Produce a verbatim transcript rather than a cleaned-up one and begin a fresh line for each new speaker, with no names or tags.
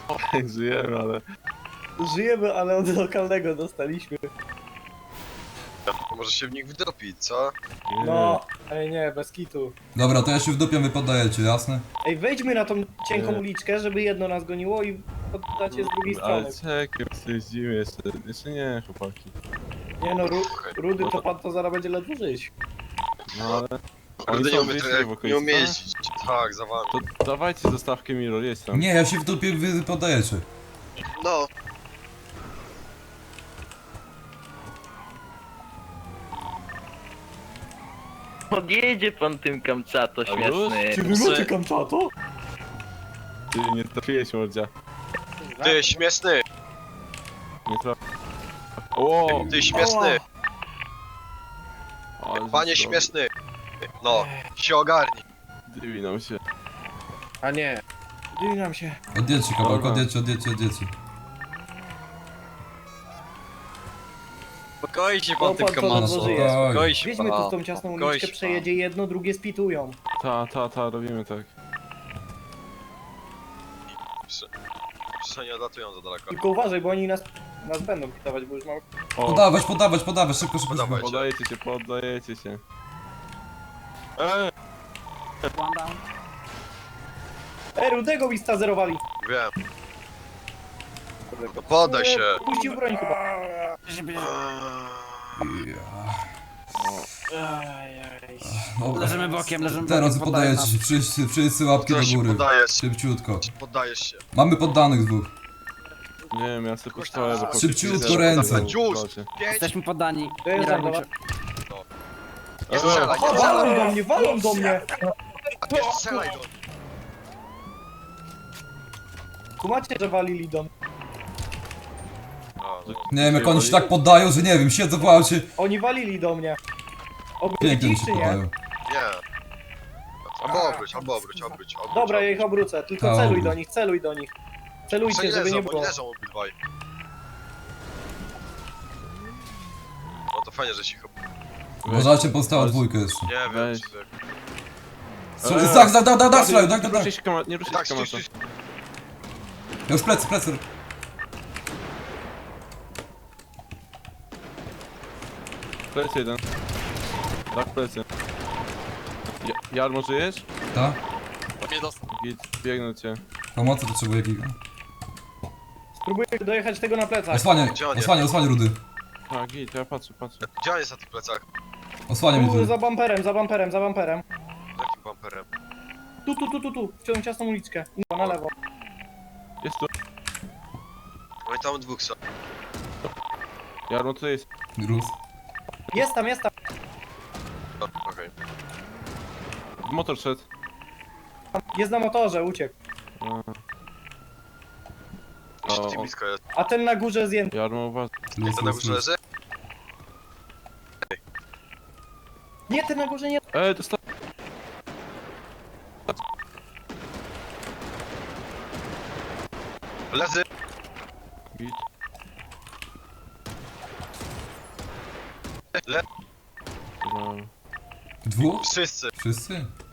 Żyjemy, ale...
Żyjemy, ale od lokalnego dostaliśmy.
Może się w nich wdopić, co?
Nie.
No, ej nie, bez kitu.
Dobra, to ja się wdupiam, wy poddajecie, jasne?
Ej, wejdźmy na tą cienką
Nie.
uliczkę, żeby jedno nas goniło i poddacie z drugiej
Ale
strony.
czekaj, jeździmy jeszcze. Jeszcze nie, chłopaki.
Nie no, ru Rudy to pan to zaraz będzie ledwo żyć.
No ale... Oni
Rudy nie
są
umie,
blisko
trochę-
w
nie
okolicy,
umie
tak?
jeździć. Tak, za wami.
To dawajcie zostawkę Mirror, jedź tam.
Nie, ja się wdupię, wy poddajecie.
No.
Podjedzie pan tym Kamczato
A
śmieszny.
Czy wy macie Kamczato?
Ty nie trafiłeś, mordzia.
Ty śmieszny,
Nie trafił. O!
ty śmieszny,
Ale
panie
został.
śmieszny. No, się ogarnij.
Dywinął się.
A nie. Dynam się.
Odjedźcie kawałek,
Dobra.
odjedźcie, odjedźcie, odjedźcie.
Spokojnie się
No,
pan tym
pan to
No,
ledwo
kamasem.
żyje.
spokojnie.
Spokojnie się
Wjedźmy tu
pan.
w tą ciasną
Spokojnie
uliczkę,
się
przejedzie jedno, drugie spitują.
Ta, ta, ta, robimy tak.
Przecież nie odlatują za daleko.
Tylko uważaj, bo oni nas, nas będą pitować, bo już mam...
O,
Podawać, podawać, podawać, szybko, szybko, szybko.
Podawaj.
Podajecie się, poddajecie się. Eee!
Ej, Rudego mi stazerowali.
Wiem. No podaj się.
E, Puścił broń chyba.
Dobra.
Leżymy bokiem, leżymy
Teraz
bokiem, poddaję
poddajecie się, wszyscy, wszyscy łapki
To
do
się
góry.
podajesz,
Szybciutko.
poddajesz się.
Mamy poddanych dwóch.
Nie wiem, ja sobie postoję, bo...
Szybciutko ręce.
Już.
Proszę.
Pięć.
Jesteśmy poddani.
To jest
Nie
zabawa.
robicie.
Nie strzelaj, nie
O, walą
strzelaj.
do mnie, walą do mnie!
Nie strzelaj do nich.
Kumacie, że walili do mnie.
A, no.
Nie wiem, jak oni się tak poddają, że nie wiem, siedzą w aucie.
Oni walili do mnie.
Pięknie
Obrócić
mi się
czy nie?
poddają.
Nie. Albo obróć, albo obróć, obróć, obróć.
Dobra, ja ich obrócę, tylko
Ta,
celuj
obróć.
do nich, celuj do nich. Celujcie,
Oni
żeby
leżą,
nie
bo
było.
oni leżą obydwaj. No to fajnie, że się chyba...
Uważajcie, pozostała dwójka jeszcze.
Nie wiem,
Weź.
czy...
Strzel- Tak, tak, tak, tak, tak, strzelają, tak,
Nie
tak, tak.
ruszaj się kama- nie ruszaj
Tak,
się
stój,
kamasa.
stój,
Ja już plecy, plecy.
Plecy jeden. Tak, plecy. Ja, Jarmo, żyjesz?
Tak?
Git, biegnę cię.
Pomocy potrzebuję giga.
Spróbuję dojechać tego na plecach.
Osłaniaj,
Gdzie on jest?
osłaniaj, osłaniaj Rudy.
Tak, git, ja patrzę, patrzę.
Gdzie on jest na tych plecach?
Osłaniaj mnie
Tu,
Rudy.
za bumperem, za bumperem, za bumperem.
Jakim bumperem?
Tu, tu, tu, tu, tu, w tą ciasną uliczkę. No, na lewo.
Jest tu.
Oni tam dwóch są.
Jarmo, tutaj jest.
Rus.
Jest tam, jest tam.
No, okej.
Motor szedł.
Jest na motorze, uciekł.
A,
Jeszcze
O,
ci
o.
blisko jest.
A ten na górze zdjęty.
Jarmo, uważaj.
Luz,
Ten na
luz,
górze
luz.
leży?
Nie, ten na górze nie.
Ej, dostał.
Leży!
Git.
Le...
No.
Dwóch?
Wszyscy!
Wszyscy?